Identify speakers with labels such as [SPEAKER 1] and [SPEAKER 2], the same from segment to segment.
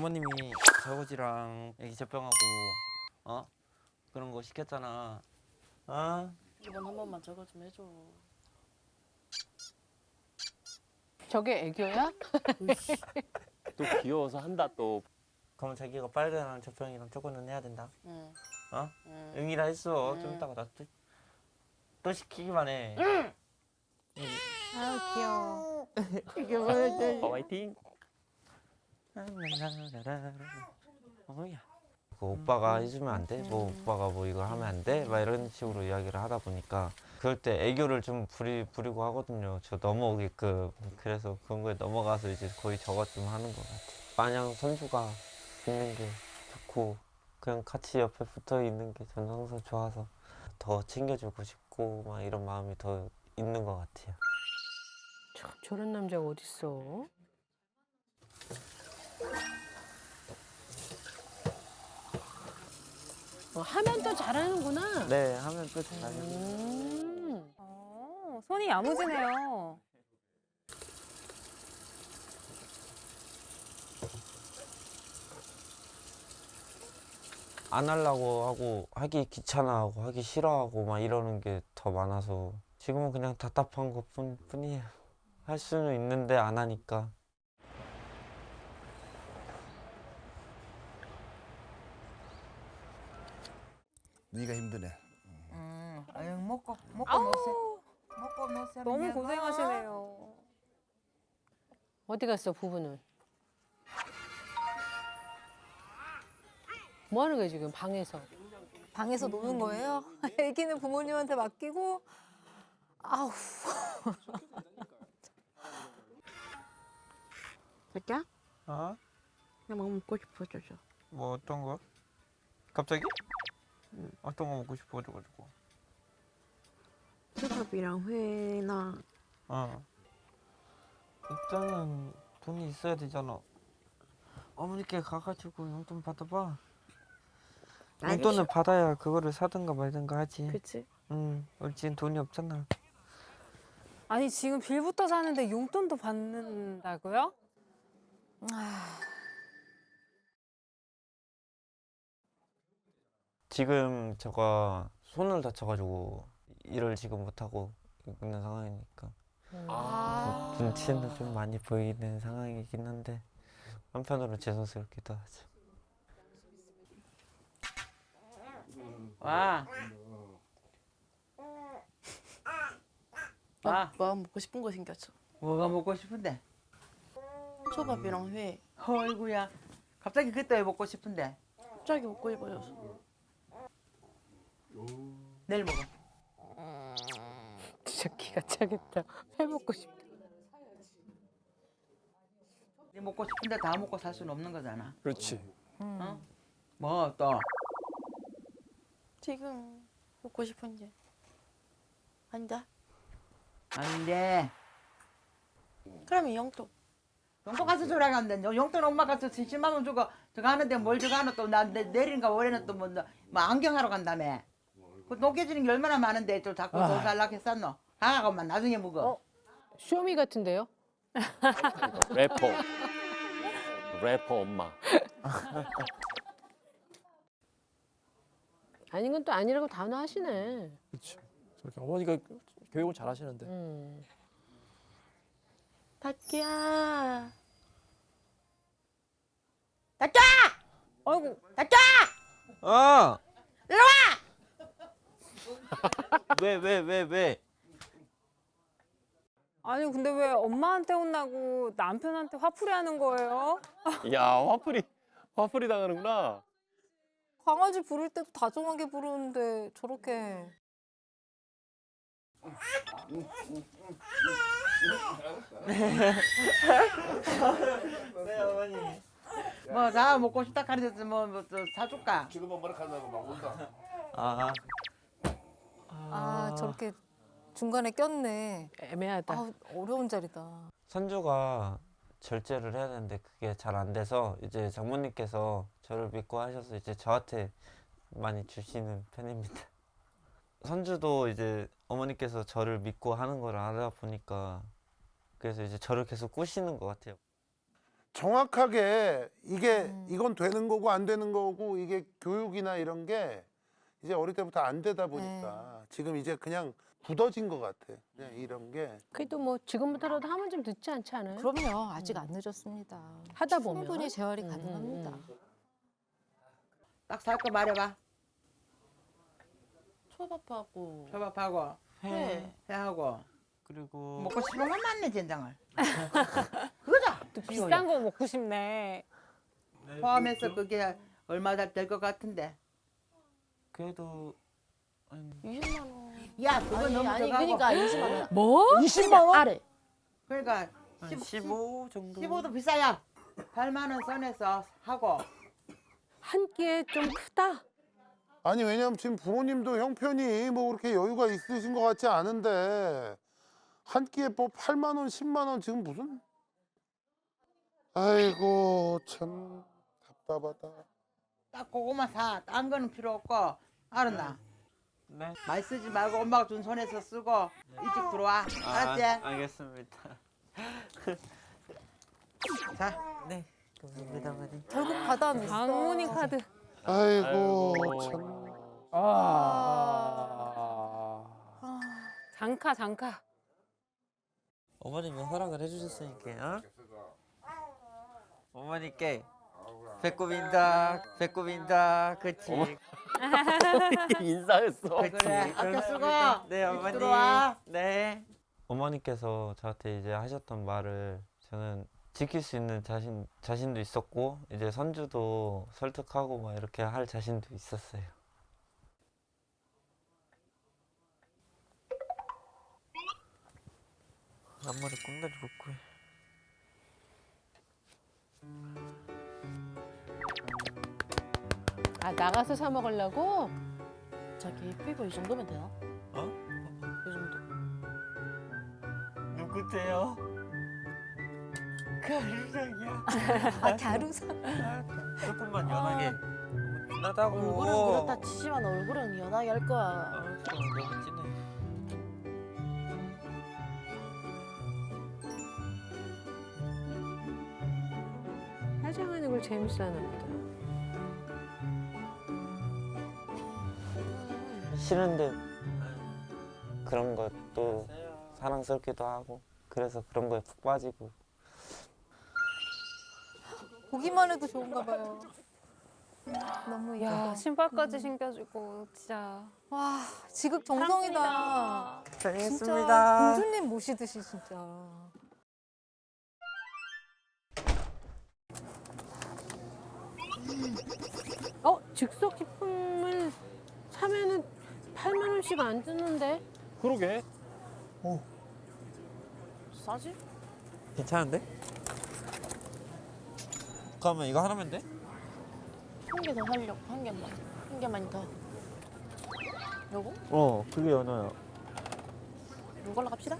[SPEAKER 1] 어머님이 설거지랑 애기 젖병하고 그런 거 시켰잖아.
[SPEAKER 2] 이번 한 번만 저거 좀 해줘.
[SPEAKER 3] 저게 애교야?
[SPEAKER 4] 또 귀여워서 한다 또.
[SPEAKER 1] 그럼 자기가 빨래랑 젖병이랑 저거는 해야 된다.
[SPEAKER 2] 응. 응.
[SPEAKER 1] 응이라 했어. 좀 이따가 나 또 시키기만 해.
[SPEAKER 3] 아유 귀여워.
[SPEAKER 4] 화이팅.
[SPEAKER 1] 어머야. 그 오빠가 해주면 안 돼? 뭐 오빠가 뭐 이거 하면 안 돼? 막 이런 식으로 이야기를 하다 보니까 그럴 때 애교를 좀 부리고 하거든요. 저 넘어오게끔. 그래서 그런 거에 넘어가서 이제 거의 저것 좀 하는 것 같아. 마냥 선주가 있는 게 좋고 그냥 같이 옆에 붙어 있는 게 저는 항상 좋아서 더 챙겨주고 싶고 막 이런 마음이 더 있는 것 같아요.
[SPEAKER 3] 참 저런 남자가 어딨어? 하면 또 잘하는구나.
[SPEAKER 1] 네, 하면 또 잘하죠.
[SPEAKER 5] 손이 야무지네요.
[SPEAKER 1] 안 하려고 하고 하기 귀찮아하고 하기 싫어하고 막 이러는 게 더 많아서 지금은 그냥 답답한 것 뿐이에요. 할 수는 있는데 안 하니까.
[SPEAKER 6] 네가 힘드네.
[SPEAKER 7] 아유 먹고 노세요. 먹고 노세요.
[SPEAKER 5] 너무 고생하시네요.
[SPEAKER 3] 어디 갔어 부부는? 뭐 하는 거야 지금 방에서?
[SPEAKER 8] 방에서 노는 거예요? 애기는 부모님한테 맡기고 아우
[SPEAKER 2] 자기야?
[SPEAKER 1] 어?
[SPEAKER 2] 나 뭐 먹고 싶어 줘줘.
[SPEAKER 1] 뭐 어떤 거? 갑자기? 어떤 거 먹고 싶어가지고.
[SPEAKER 2] 초밥이랑 회나.
[SPEAKER 1] 일단은 돈이 있어야 되잖아. 어머니께 가가지고 용돈 받아봐. 용돈을 받아야 그거를 사든가 말든가 하지.
[SPEAKER 2] 그치?
[SPEAKER 1] 우리 지금 돈이 없잖아.
[SPEAKER 5] 아니 지금 빌부터 사는데 용돈도 받는다고요?
[SPEAKER 1] 지금 제가 손을 다쳐가지고 일을 지금 못하고 있는 상황이니까 눈치는 좀 많이 보이는 상황이긴 한데 한편으로 죄송스럽기도 하죠.
[SPEAKER 7] 와.
[SPEAKER 2] 뭐 먹고 싶은 거 생겼어.
[SPEAKER 7] 뭐가 먹고 싶은데?
[SPEAKER 2] 초밥이랑 회.
[SPEAKER 7] 어이구야. 갑자기 그때 왜 먹고 싶은데?
[SPEAKER 2] 갑자기 먹고 싶어졌어.
[SPEAKER 7] 내일 먹어.
[SPEAKER 3] 진짜 기가 차겠다. 회 먹고 싶다.
[SPEAKER 7] 네 먹고 싶은데 다 먹고 살 수는 없는 거잖아.
[SPEAKER 4] 그렇지.
[SPEAKER 7] 어? 뭐 또?
[SPEAKER 2] 지금 먹고 싶은 게 아니다.
[SPEAKER 7] 아닌데.
[SPEAKER 2] 그러면 영토.
[SPEAKER 7] 용돈 가서 주라고 하는데 용돈 엄마 가서 70만 원 주고 저거 하는데 뭘 저거 하나 또나 내일인가 월에는 또 뭐 안경하러 간다며. 그 돈 깨지는 게 얼마나 많은데 또 자꾸 돈 살라고 했었노. 가가고만 나중에 먹어.
[SPEAKER 3] 쇼미 같은데요?
[SPEAKER 4] 래퍼 엄마.
[SPEAKER 3] 아닌 건 또 아니라고 단호하시네.
[SPEAKER 9] 그렇죠. 저렇게 어머니가 교육을 잘 하시는데.
[SPEAKER 2] 자기야.
[SPEAKER 7] 닫자!
[SPEAKER 5] 아이고
[SPEAKER 7] 닫자!
[SPEAKER 1] 일로 와! 왜?
[SPEAKER 5] 아니 근데 왜 엄마한테 혼나고 남편한테 화풀이 하는 거예요?
[SPEAKER 4] 야 화풀이 당하는구나.
[SPEAKER 8] 강아지 부를 때도 다정하게 부르는데 저렇게
[SPEAKER 1] 네 어머니.
[SPEAKER 7] 뭐 나 먹고 싶다 카르데스 뭐또 사줄까?
[SPEAKER 6] 지금은 머리 간다고 막 온다.
[SPEAKER 8] 아 저렇게 중간에 꼈네.
[SPEAKER 3] 애매하다.
[SPEAKER 8] 아 어려운 자리다.
[SPEAKER 1] 선주가 절제를 해야 되는데 그게 잘 안 돼서 이제 장모님께서 저를 믿고 하셔서 이제 저한테 많이 주시는 편입니다. 선주도 이제 어머니께서 저를 믿고 하는 걸 알아 보니까 그래서 이제 저를 계속 꼬시는 것 같아요.
[SPEAKER 10] 정확하게 이건 되는 거고 안 되는 거고 이게 교육이나 이런 게 이제 어릴 때부터 안 되다 보니까 지금 이제 그냥 굳어진 것 같아. 그냥 이런 게.
[SPEAKER 3] 그래도 뭐 지금부터라도 하면 좀 늦지 않지 않아요?
[SPEAKER 8] 그럼요. 아직 안 늦었습니다.
[SPEAKER 3] 하다 보면
[SPEAKER 8] 충분히 재활이 가능합니다.
[SPEAKER 7] 딱 살 거 말해봐.
[SPEAKER 2] 초밥하고
[SPEAKER 7] 초밥하고
[SPEAKER 2] 회.
[SPEAKER 7] 회하고
[SPEAKER 1] 그리고
[SPEAKER 7] 먹고 싶은 건 맞네 된장을. 그거다.
[SPEAKER 5] 비싼 거 먹고 싶네.
[SPEAKER 7] 포함해서 그게 얼마 될 것 같은데.
[SPEAKER 1] 그래도
[SPEAKER 2] 20만 원.
[SPEAKER 7] 야 그거
[SPEAKER 2] 아니
[SPEAKER 7] 너무
[SPEAKER 2] 아니
[SPEAKER 7] 적하고.
[SPEAKER 2] 그러니까 20만 원.
[SPEAKER 3] 뭐?
[SPEAKER 2] 20만 원? 아래.
[SPEAKER 7] 그러니까
[SPEAKER 1] 한 15 정도.
[SPEAKER 7] 15도 비싸야. 8만 원 선에서 하고.
[SPEAKER 3] 한 끼에 좀 크다.
[SPEAKER 10] 아니 왜냐면 지금 부모님도 형편이 뭐 그렇게 여유가 있으신 것 같지 않은데 한 끼에 뭐 8만 원, 10만 원 지금 무슨? 아이고 참 답답하다.
[SPEAKER 7] 딱 그거만 사. 딴 거는 필요 없고. 알았나?
[SPEAKER 1] 네.
[SPEAKER 7] 많이 쓰지 말고 엄마가 준 손에서 쓰고 일찍 들어와. 알았지?
[SPEAKER 1] 알겠습니다.
[SPEAKER 7] 자.
[SPEAKER 1] 네. 감사합니다, 어머니.
[SPEAKER 8] 결국 받아냈어.
[SPEAKER 5] 장모님 카드.
[SPEAKER 10] 아이고
[SPEAKER 4] 아이고.
[SPEAKER 10] 참.
[SPEAKER 5] 장카.
[SPEAKER 1] 어머님이 허락을 해주셨으니까. 어머니께 배꼽인다. 그치.
[SPEAKER 4] 인사했어.
[SPEAKER 7] 그래. 아껴 쓰고.
[SPEAKER 1] 네,
[SPEAKER 7] 일찍
[SPEAKER 1] 어머니.
[SPEAKER 7] 들어와.
[SPEAKER 1] 네. 어머니께서 저한테 이제 하셨던 말을 저는 지킬 수 있는 자신도 있었고 이제 선주도 설득하고 막 이렇게 할 자신도 있었어요. 앞머리 꽁다리 묶고 해.
[SPEAKER 3] 아 나가서 사 먹으려고?
[SPEAKER 2] 자기 피부 이 정도면 되나?
[SPEAKER 1] 어?
[SPEAKER 2] 이 정도.
[SPEAKER 1] 누구세요? 가루랑이야.
[SPEAKER 8] 아, 가루사.
[SPEAKER 1] 조금만 연하게. 진하다고.
[SPEAKER 2] 얼굴은 그렇다 치지만 얼굴은 연하게 할 거야.
[SPEAKER 1] 아, 너무 진해.
[SPEAKER 3] 화장하는 걸 재밌어하나 보다.
[SPEAKER 1] 싫은데 그런 것도 사랑스럽기도 하고 그래서 그런 거에 푹 빠지고.
[SPEAKER 8] 보기만 해도 좋은가 봐요. 너무
[SPEAKER 5] 야
[SPEAKER 8] 이뻐.
[SPEAKER 5] 신발까지 신겨주고 진짜.
[SPEAKER 8] 와 지극정성이다. 진짜
[SPEAKER 1] 다녀오겠습니다.
[SPEAKER 8] 공주님 모시듯이 진짜.
[SPEAKER 3] 즉석 식품을 사면은 8만 원씩 안 드는데?
[SPEAKER 9] 그러게.
[SPEAKER 2] 싸지?
[SPEAKER 1] 괜찮은데? 그러면 이거 하나면 돼?
[SPEAKER 2] 한 개 더 하려고 한 개만. 한 개만 더. 요거?
[SPEAKER 1] 그게 연어야.
[SPEAKER 2] 이걸로 갑시다.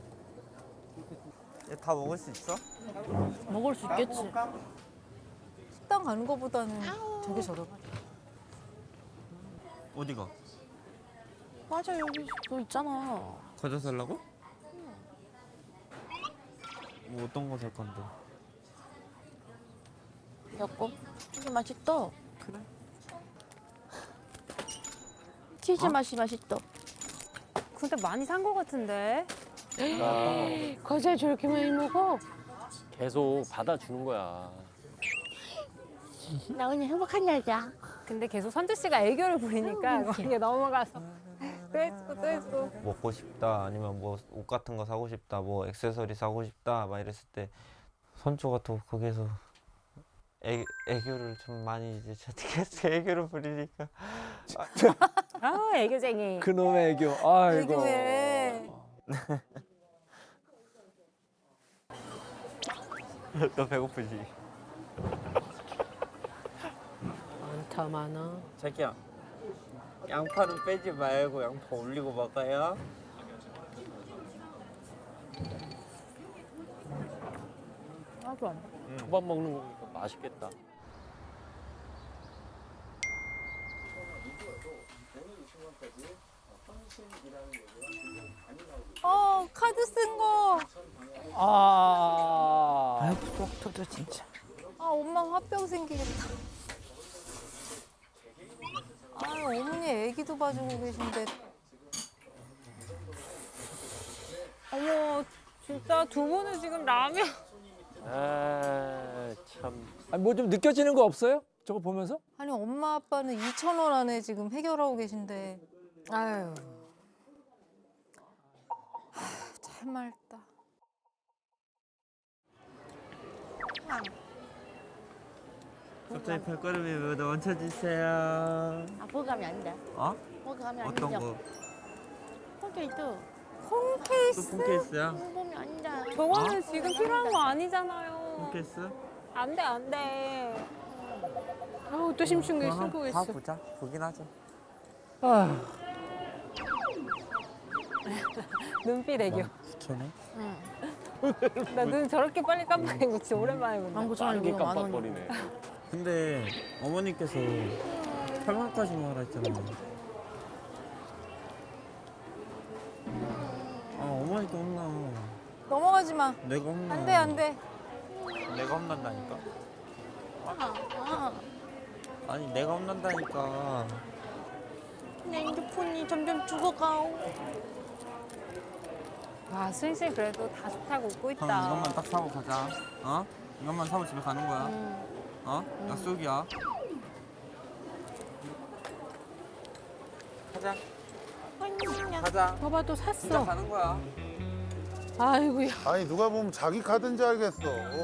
[SPEAKER 1] 다 먹을 수 있어?
[SPEAKER 2] 먹을 수 있겠지.
[SPEAKER 8] 식당 가는 거보다는 되게 저렴하다.
[SPEAKER 1] 어디가?
[SPEAKER 2] 맞아 여기 그거 있잖아.
[SPEAKER 1] 과자 살라고? 뭐 어떤 거 살 건데?
[SPEAKER 2] 여보 이게 맛있다. 그래. 치즈 맛이 맛있다.
[SPEAKER 5] 근데 많이 산 거 같은데.
[SPEAKER 3] 과자 저렇게 많이 먹어?
[SPEAKER 4] 계속 받아주는 거야.
[SPEAKER 2] 나 오늘 행복한 날이야.
[SPEAKER 5] 근데 계속 선주 씨가 애교를 부리니까 거기에 넘어가서 또 했고.
[SPEAKER 1] 먹고 싶다 아니면 뭐 옷 같은 거 사고 싶다 뭐 액세서리 사고 싶다 막 이랬을 때 선조가 또 거기서 애교를 좀 많이 이제 저한테 애교를 부리니까
[SPEAKER 5] 아 애교쟁이.
[SPEAKER 9] 그놈의 애교. 아이고.
[SPEAKER 8] 애교해.
[SPEAKER 1] 너 배고프지?
[SPEAKER 3] 많다 많아.
[SPEAKER 1] 자기야 양파는 빼지 말고 양파 올리고 먹어요.
[SPEAKER 2] 아주 안.
[SPEAKER 4] 초밥 먹는 거니까 맛있겠다.
[SPEAKER 8] 카드 쓴 거.
[SPEAKER 9] 아.
[SPEAKER 2] 아이고 속 터져 진짜.
[SPEAKER 8] 엄마 화병 생기겠다. 어머니 애기도 봐주고 계신데.
[SPEAKER 5] 어머, 진짜 두 분은 지금 라면.
[SPEAKER 4] 아, 참.
[SPEAKER 9] 아니 뭐 좀 느껴지는 거 없어요? 저거 보면서?
[SPEAKER 8] 아니 엄마 아빠는 2,000원 안에 지금 해결하고 계신데. 아유. 참 맑다.
[SPEAKER 1] 갑자기 발걸음이 왜 멈춰주세요.
[SPEAKER 2] 아 보감이 아닌데.
[SPEAKER 1] 어?
[SPEAKER 2] 보감이
[SPEAKER 1] 어떤
[SPEAKER 2] 아니죠.
[SPEAKER 1] 거?
[SPEAKER 2] 폰케이크.
[SPEAKER 8] 콩케이스.
[SPEAKER 1] 또 폰케이스야?
[SPEAKER 2] 보감이 아닌데.
[SPEAKER 5] 저거는 지금 필요한 거 아니잖아요.
[SPEAKER 1] 폰케이스?
[SPEAKER 5] 안 돼, 안 돼.
[SPEAKER 3] 아우 또 심쿵해 심쿵했어.
[SPEAKER 1] 보자. 보긴 하자.
[SPEAKER 9] 아.
[SPEAKER 5] 눈빛 애교.
[SPEAKER 1] 걔네?
[SPEAKER 5] 나 눈 저렇게 빨리 깜빡인 거 진짜 오랜만에 본다.
[SPEAKER 2] 망고 천
[SPEAKER 4] 빠르게
[SPEAKER 2] 원이고 만 원.
[SPEAKER 4] 깜빡거리네.
[SPEAKER 1] 근데 어머니께서 8만까지 먹으라 했잖아. 아 어머니께 혼나.
[SPEAKER 8] 넘어가지 마.
[SPEAKER 1] 내가 혼나.
[SPEAKER 8] 안 돼, 안 돼.
[SPEAKER 1] 내가 혼난다니까.
[SPEAKER 2] 아,
[SPEAKER 1] 아니 내가 혼난다니까.
[SPEAKER 2] 내 핸드폰이 점점 죽어가오.
[SPEAKER 5] 와, 수인씨 그래도 다 좋다고 웃고
[SPEAKER 1] 형
[SPEAKER 5] 있다.
[SPEAKER 1] 이것만 딱 사고 가자. 어? 이것만 사고 집에 가는 거야. 어? 약속이야. 가자. 가자.
[SPEAKER 3] 봐봐 또
[SPEAKER 1] 진짜
[SPEAKER 3] 샀어.
[SPEAKER 1] 가는 거야.
[SPEAKER 3] 아이고야.
[SPEAKER 10] 아니 누가 보면 자기 카드인지 알겠어.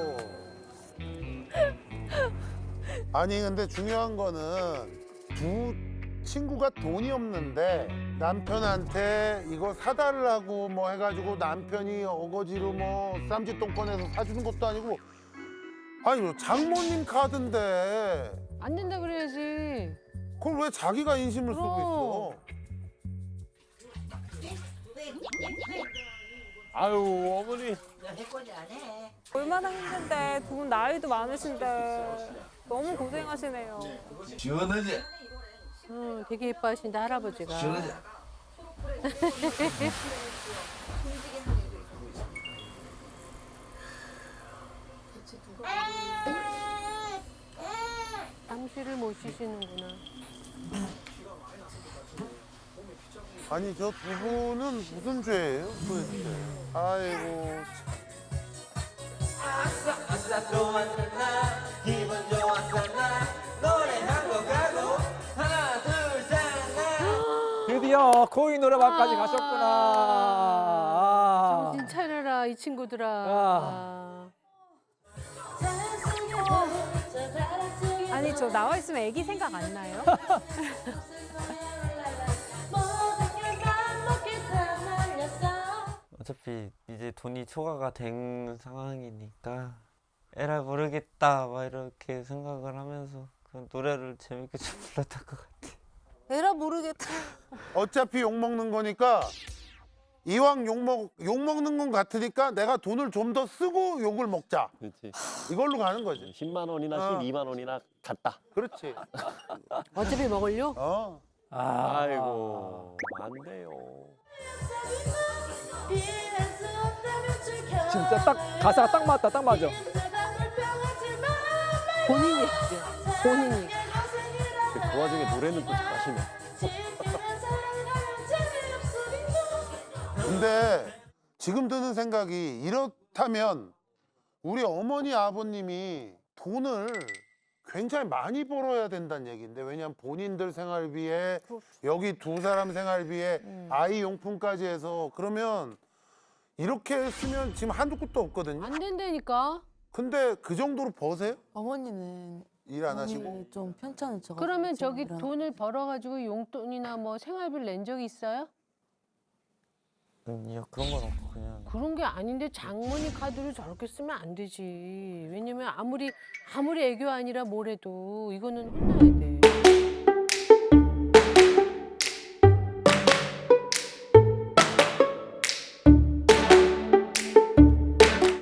[SPEAKER 10] 아니 근데 중요한 거는 두 친구가 돈이 없는데 남편한테 이거 사달라고 뭐 해가지고 남편이 어거지로 뭐 쌈짓돈꺼내서 사주는 것도 아니고 아니 뭐 장모님 카드인데
[SPEAKER 3] 안 된다 그래야지.
[SPEAKER 10] 그걸 왜 자기가 인심을 쓰고 있어?
[SPEAKER 4] 아유, 어머니.
[SPEAKER 5] 얼마나 힘든데 두 분 나이도 많으신데 너무 고생하시네요.
[SPEAKER 6] 시원하지?
[SPEAKER 3] 되게 예뻐하신다 할아버지가.
[SPEAKER 6] 시원하지?
[SPEAKER 3] 당시를 못 쉬시는구나.
[SPEAKER 10] 아니 저 두 분은 무슨 죄예요 도대체? 아이고
[SPEAKER 1] 아싸 좋았었나 기분 좋았었나 노래 한 곡 하고 하나 둘셋넷
[SPEAKER 9] 드디어 코인 노래방까지 가셨구나. 아.
[SPEAKER 3] 정신 차려라 이 친구들아.
[SPEAKER 9] 아.
[SPEAKER 5] 아니 저 나와 있으면 애기 생각 안 나요?
[SPEAKER 1] 어차피 이제 돈이 초과가 된 상황이니까 에라 모르겠다 막 이렇게 생각을 하면서 그 노래를 재밌게 좀 불렀던 것 같아.
[SPEAKER 8] 에라 모르겠다.
[SPEAKER 10] 어차피 욕 먹는 거니까 이왕 욕 먹는 건 같으니까 내가 돈을 좀 더 쓰고 욕을 먹자.
[SPEAKER 4] 그렇지.
[SPEAKER 10] 이걸로 가는 거지.
[SPEAKER 4] 10만 원이나
[SPEAKER 10] 어.
[SPEAKER 4] 12만 원이나 갔다.
[SPEAKER 10] 그렇지.
[SPEAKER 3] 어차피 먹을려?
[SPEAKER 10] 어.
[SPEAKER 9] 아.
[SPEAKER 4] 아이고, 안 돼요.
[SPEAKER 9] 진짜 딱 가사가 딱 맞다. 딱 맞아.
[SPEAKER 3] 본인이 했지. 본인이.
[SPEAKER 4] 그 와중에 노래는 또 잘하시네.
[SPEAKER 10] 근데 지금 드는 생각이 이렇다면 우리 어머니 아버님이 돈을 굉장히 많이 벌어야 된다는 얘기인데 왜냐하면 본인들 생활비에 여기 두 사람 생활비에 아이 용품까지 해서 그러면 이렇게 쓰면 지금 한두 푼도 없거든요.
[SPEAKER 3] 안 된다니까.
[SPEAKER 10] 근데 그 정도로 버세요?
[SPEAKER 8] 어머니는
[SPEAKER 10] 일 안 하시고?
[SPEAKER 8] 좀 편찮으셔.
[SPEAKER 3] 그러면 저기 돈을 벌어가지고 용돈이나 뭐 생활비를 낸 적이 있어요?
[SPEAKER 1] 아니요 그런 건 없고 그냥
[SPEAKER 3] 그런 게 아닌데 장모님 카드를 저렇게 쓰면 안 되지. 왜냐면 아무리 애교 아니라 뭐래도 이거는 혼나야 돼.